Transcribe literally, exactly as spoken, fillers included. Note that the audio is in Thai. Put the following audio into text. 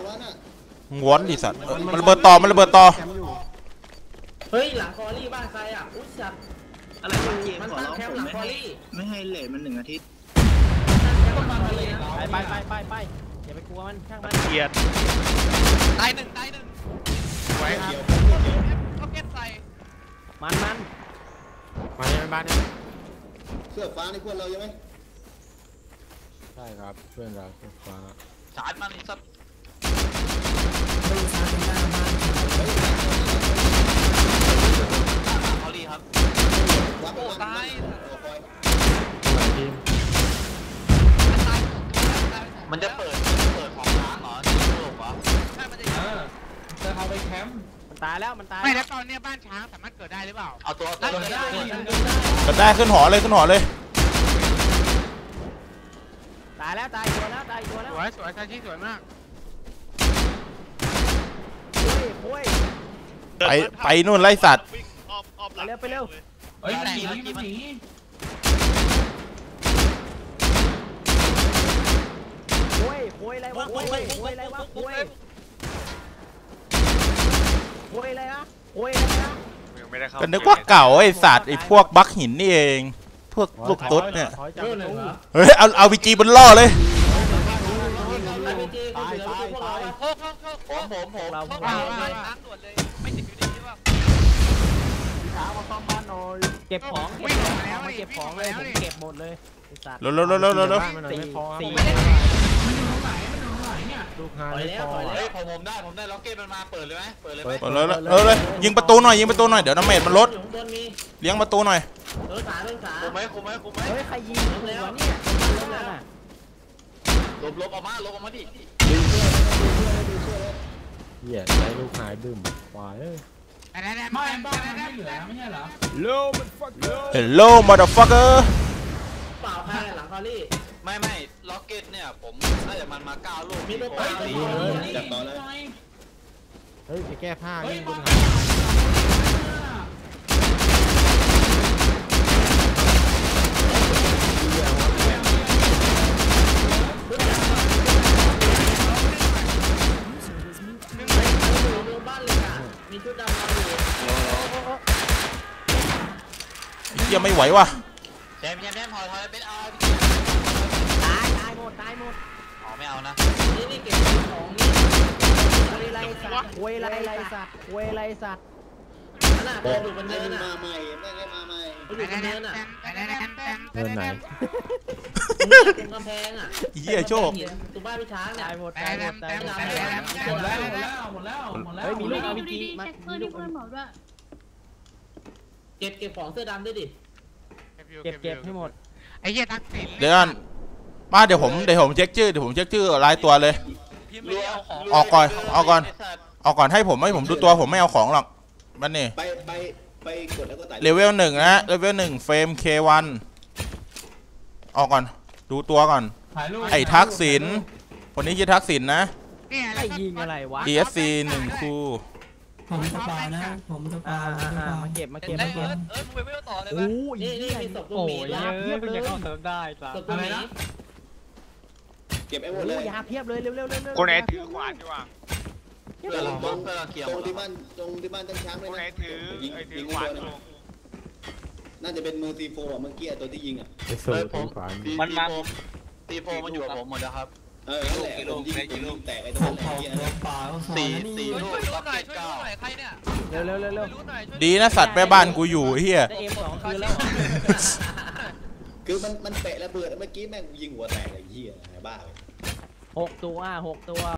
ม้วนดิสัตว์มันระเบิดต่อมันระเบิดต่อเฮ้ยหลังคอรี่บ้านใครอ่ะอุ้ยสัตว์อะไรวะมันตั้งแคมป์หลังคอรี่ไม่ให้เลทมันหนึ่งอาทิตย์ไปไปไปไปอย่าไปกลัวมันช่างมันเกียดตายหนึ่งตายหนึ่งไว้ครับเขาเก็ตใส่มันมันมาในบ้านเนี่ยเสื้อฟ้าในเพื่อนเราใช่ไหมใช่ครับเพื่อนเราเสื้อฟ้าสารมันสัตว์เขาลีครับโอ้ตายมันจะเปิดเปิดของช้างเหรอที่โลกเหรอใช่มันจะจะเอาไปแคมป์มันตายแล้วมันตายไม่แล้วตอนนี้บ้านช้างสามารถเกิดได้หรือเปล่าเอาตัวได้ได้เกิดได้ขึ้นหอเลยขึ้นหอเลยตายแล้วตายตัวแล้วตายตัวแล้วสวยสวยชาชีสวยมากไปไปนู่นไล่สัตว์ไปเร็วไปเร็วเฮ้ยหนีหนีโวยโวยอะไรวะโวยโวยอะไรวะโวยโวยอะไรวะโวยอะไรนะก็นึกว่าเก่าไอ้สัตว์ไอ้พวกบักหินนี่เองพวกลูกตุ๊ดเนี่ยเฮ้ยเอาเอาวีจีบนล่อเลยผมผมผมเราพวกเราช้างด่วนเลยไม่ติดอยู่ดีใช่ป่ะช้างมาซ่อมบ้านหน่อยเก็บของเก็บของมาเก็บของเลยผมเก็บหมดเลยเร็วเร็วเร็วเร็วเร็วสี่สี่ลูกหาไปแล้วไปแล้วผมผมได้ผมได้ล็อกเก็ตมันมาเปิดเลยไหมเปิดเลยไหมเปิดเลยเออเลยยิงประตูหน่อยยิงประตูหน่อยเดี๋ยวน้ำเมจมันลดเลี้ยงประตูหน่อยเออขาเป็นขาคุมไหมคุมไหมคุมไหมเฮ้ยใครยิงแล้วเนี่ยลบลบออกมาลบออกมาดิเหี้ยใช้ลูกหายบึ้มควายเอ้ยไม่บ้านมันไม่เหลือไม่ใช่เหรอ Hello motherfucker Hello motherfucker เปล่าใครหลังคอรี่ไม่ไม่ล็อกเก็ตเนี่ยผมน่าจะมันมาเก้าลูกมีตัวเปล่าจับต่อเลยเฮ้ยไปแก้ผ้ายิงคุณยังไม่ไหวว่ะแจมแจมแจมพอทอยเป็นเอาตายตายหมดตายหมดอ๋อไม่เอานะนี่นี่เก็บของนี่เวไรสัตว์เวไรไรสัตว์เวไรสัตว์น่ะเดินดูมันเดินมาใหม่แม่งมาใหม่ดูมันเดินอ่ะเดินไหนตรงกำแพงอ่ะเหี้ยโชคตัวบ้านพี่ช้างเนี่ยตายหมดตายหมดตายหมดหมดแล้วหมดแล้วหมดแล้วหมดแล้วเฮ้ยมีลูกเอาวิจีมามีลูกเพื่อนบอกด้วยเก็บเก็บของเสื้อดำด้วยดิเก็บเก็บให้หมดไอ้เหี้ยทักษิณเดี๋ยวมาเดี๋ยวผมเดี๋ยวผมเช็คชื่อเดี๋ยวผมเช็คชื่อรายตัวเลยออกก่อนออกก่อนออกก่อนให้ผมให้ผมดูตัวผมไม่เอาของหรอกมันนี่ไปไปไปกดแล้วก็ไต่เลเวลหนึ่งนะเลเวลหนึ่งเฟรม เค วัน ออกก่อนดูตัวก่อนไอ้ทักษิณคนนี้ชื่อทักษิณนะไอ้ยิงอะไรวะอี เอส ซี หนึ่งคู่ผมจะเปล่านะผมจะเปล่ามาเก็บมาเก็บมาเก็บเออมึงไปไม่ต่อเลยโอ้ยนี่นี่มีศพลูกหมียาเพียบเลยเข้าเติมได้จ้ะอะไรนะเก็บไอ้หมดเลยยาเพียบเลยเร็วเร็วเร็วเร็วคนไหนถือขวานดีกว่าตรงตรงตรงที่บ้านตรงที่บ้านตั้งช้างเลยนะคนไหนถือไอ้ถือขวานน่าจะเป็นมือซีโฟอ่ะเมื่อกี้ตัวที่ยิงอ่ะเออผมมันมาตีโฟมันอยู่กับผมหมดแล้วครับเออนั่นแหละผมยิงผมยิงแตกไอ้ตัวนั้นไอ้เหี้ยสี่สี่ลูกล็อกเก็ตเก้าเร็วเร็วเร็วเร็วดีนะสัตว์แม่บ้านกูอยู่เฮียได้เอ็มสองคืนแล้วคือมันมันเตะระเบิดเมื่อกี้แม่งยิงหัวแตกไอ้เหี้ยบ้าเลยหกตัวหกตัว